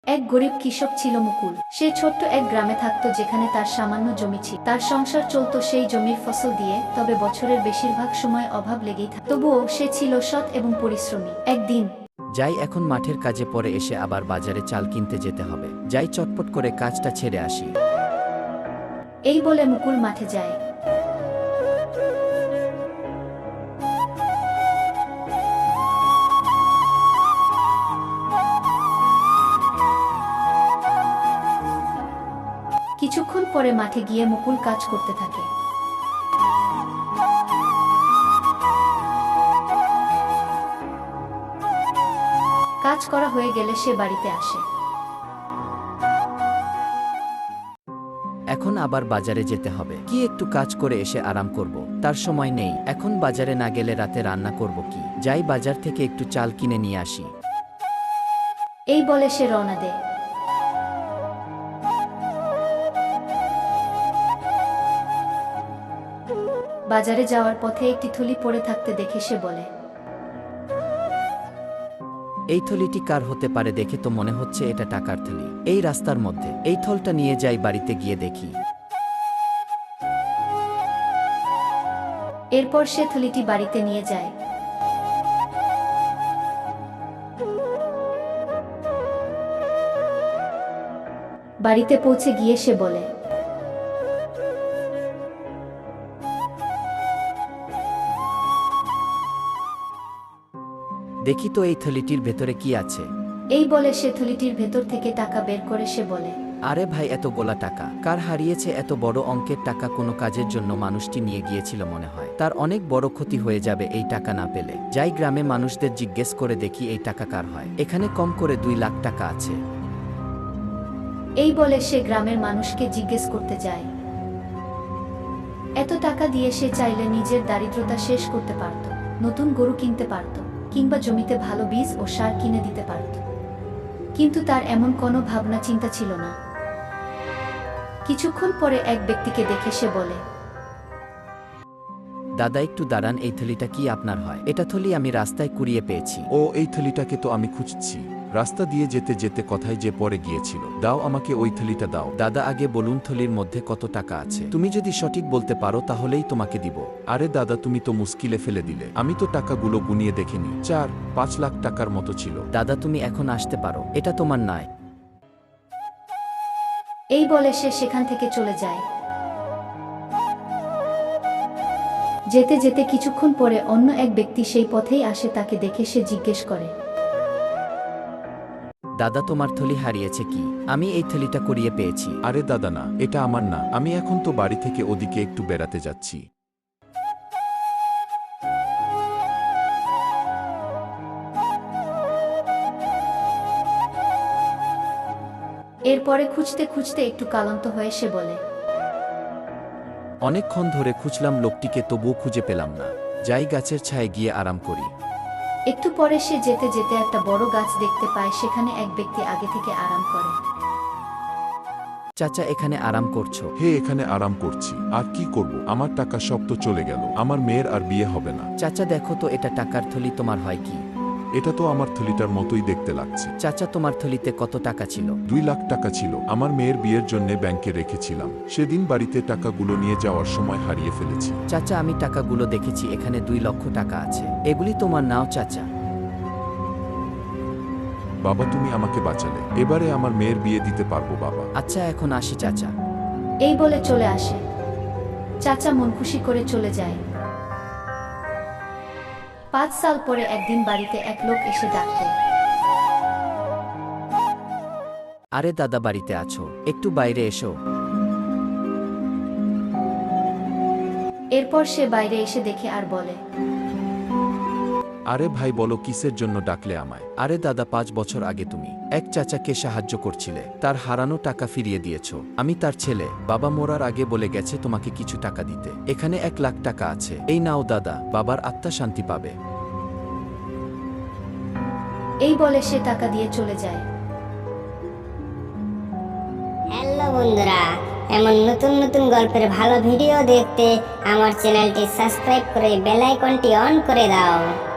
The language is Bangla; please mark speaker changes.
Speaker 1: এক গরিব কৃষক ছিল মুকুল। সে ছোট্ট এক গ্রামে থাকত যেখানে তার সামান্য জমি ছিল। তার সংসার চলত সেই জমির ফসল দিয়ে, তবে বছরের বেশিরভাগ সময় অভাব লেগেই থাকত। তবুও সে ছিল সৎ এবং পরিশ্রমী। একদিন,
Speaker 2: যাই এখন মাঠের কাজে পরে এসে আবার বাজারে চাল কিনতে যেতে হবে, যাই চটপট করে কাজটা ছেড়ে আসি।
Speaker 1: এই বলে মুকুল মাঠে যায়। কিছুক্ষণ পরে মাঠে গিয়ে মুকুল কাজ করতে থাকে। কাজ করা হয়ে গেলে সে বাড়িতে আসে।
Speaker 2: এখন আবার বাজারে যেতে হবে, কি একটু কাজ করে এসে আরাম করব, তার সময় নেই। এখন বাজারে না গেলে রাতে রান্না করব কি? যাই বাজার থেকে একটু চাল কিনে নিয়ে আসি।
Speaker 1: এই বলে সে রওনা দেয়। বাজারে যাওয়ার পথে একটি থলি পড়ে থাকতে দেখে সে বলে,
Speaker 2: এই থলিটি কার হতে পারে? দেখে তো মনে হচ্ছে এটা টাকার থলি। এই রাস্তার মধ্যে এই থলটা নিয়ে যাই, বাড়িতে গিয়ে দেখি।
Speaker 1: এরপর সে থলিটি বাড়িতে নিয়ে যায়। বাড়িতে পৌঁছে গিয়ে সে বলে,
Speaker 2: দেখি তো এই থলিটির ভেতরে কি আছে।
Speaker 1: এই বলে সে থলিটির ভেতর থেকে টাকা বের করে সে বলে,
Speaker 2: আরে ভাই, এত গোলা টাকা কার হারিয়েছে? এত বড় অঙ্কের টাকা কোনো কাজের জন্য মানুষটি নিয়ে গিয়েছিল মনে হয়। তার অনেক বড় ক্ষতি হয়ে যাবে এই টাকা না পেলে। যাই গ্রামে মানুষদের জিজ্ঞেস করে দেখি এই টাকা কার হয়। এখানে কম করে 2 লাখ টাকা আছে।
Speaker 1: এই বলে সে গ্রামের মানুষকে জিজ্ঞেস করতে যায়। এত টাকা দিয়ে সে চাইলে নিজের দারিদ্রতা শেষ করতে পারত, নতুন গরু কিনতে পারত, কিংবা জমিতে ভালো বীজ ও সার কিনে দিতে পারত। কিন্তু তার এমন কোনো ভাবনা চিন্তা ছিল না। কিছুক্ষণ পরে এক ব্যক্তিকে দেখে সে বলে,
Speaker 2: দাদা একটু দাঁড়ান, এই থলিটা কি আপনার হয়? এটা থলি আমি রাস্তায় কুড়িয়ে পেয়েছি।
Speaker 3: ও, এই থলিটাকে তো আমি খুঁজছি। রাস্তা দিয়ে যেতে যেতে কথায় যে পড়ে গিয়েছিল। দাও আমাকে ওই থলিটা দাও।
Speaker 2: দাদা আগে বলুন থলির মধ্যে কত টাকা আছে?
Speaker 3: তুমি যদি সঠিক বলতে পারো তাহলেই তোমাকে দিব। আরে দাদা, তুমি তো মুশকিলে ফেলে দিলে। আমি তো টাকাগুলো গুনিয়ে দেখিনি, 4-5 লাখ টাকার মতো ছিল।
Speaker 2: দাদা তুমি এখন আসতে পারো, এটা তোমার নয়।
Speaker 1: এই বলে সে সেখান থেকে চলে যায়। যেতে যেতে কিছুক্ষণ পরে অন্য এক ব্যক্তি সেই পথেই আসে। তাকে দেখে সে জিজ্ঞেস করে,
Speaker 2: দাদা তোমার থলি হারিয়েছে কি? আমি এই থলিটা কুড়িয়ে পেয়েছি।
Speaker 3: আরে দাদা না, এটা আমার না। আমি এখন তো বাড়ি থেকে ওদিকে একটু বেড়াতে যাচ্ছি।
Speaker 1: এরপরে খুঁজতে খুঁজতে একটু ক্লান্ত হয়ে সে বলে,
Speaker 2: অনেকক্ষণ ধরে খুঁজলাম লোকটিকে, তবুও খুঁজে পেলাম না। যাই গাছের ছায়ে গিয়ে আরাম করি।
Speaker 1: একটু পরে সে যেতে যেতে একটা বড় গাছ দেখতে পায়। সেখানে এক ব্যক্তি আগে থেকে আরাম করে।
Speaker 2: চাচা এখানে আরাম করছো?
Speaker 3: হে, এখানে আরাম করছি। আর কি করব? আমার টাকা সব তো চলে গেল। আমার মেয়ের আর বিয়ে হবে না।
Speaker 2: চাচা দেখো তো, এটা টাকার থলি তোমার হয় কি?
Speaker 3: এটা তো আমার থলিটার মতোই দেখতে লাগছে।
Speaker 2: চাচা তোমার থলিতে কত টাকা ছিল?
Speaker 3: 2 লাখ টাকা ছিল। আমার মেয়ের বিয়ের জন্য ব্যাংকে রেখেছিলাম। সেদিন বাড়িতে টাকাগুলো নিয়ে যাওয়ার সময় হারিয়ে ফেলেছি।
Speaker 2: চাচা আমি টাকাগুলো দেখেছি, এখানে 2 লক্ষ টাকা আছে। এগুলি তোমার নাও চাচা।
Speaker 3: বাবা, তুমি আমাকে বাঁচালে। এবারে আমার মেয়ের বিয়ে দিতে পারবো বাবা।
Speaker 2: আচ্ছা এখন আসি চাচা।
Speaker 1: এই বলে চলে আসে। চাচা মন খুশি করে চলে যায়। 5 সাল পরে একদিন বাড়িতে এক লোক এসে ডাকতে,
Speaker 2: আরে দাদা বাড়িতে আছো? একটু বাইরে এসো।
Speaker 1: এরপর সে বাইরে এসে দেখে আর বলে,
Speaker 3: আরে ভাই বলো, কিসের জন্য ডাকলে আমায়?
Speaker 2: আরে দাদা 5 বছর আগে তুমি এক চাচাকে সাহায্য করছিলে, তার হারানো টাকা ফিরিয়ে দিয়েছো। আমি তার ছেলে। বাবা মরার আগে বলে গেছে তোমাকে কিছু টাকা দিতে। এখানে 1 লাখ টাকা আছে, এই নাও দাদা, বাবার আত্মা শান্তি পাবে।
Speaker 1: এই বলে সে টাকা দিয়ে চলে যায়।
Speaker 4: হ্যালো বন্ধুরা, এমন নতুন নতুন গল্পের ভালো ভিডিও দেখতে আমার চ্যানেলটি সাবস্ক্রাইব করে বেল আইকনটি অন করে দাও।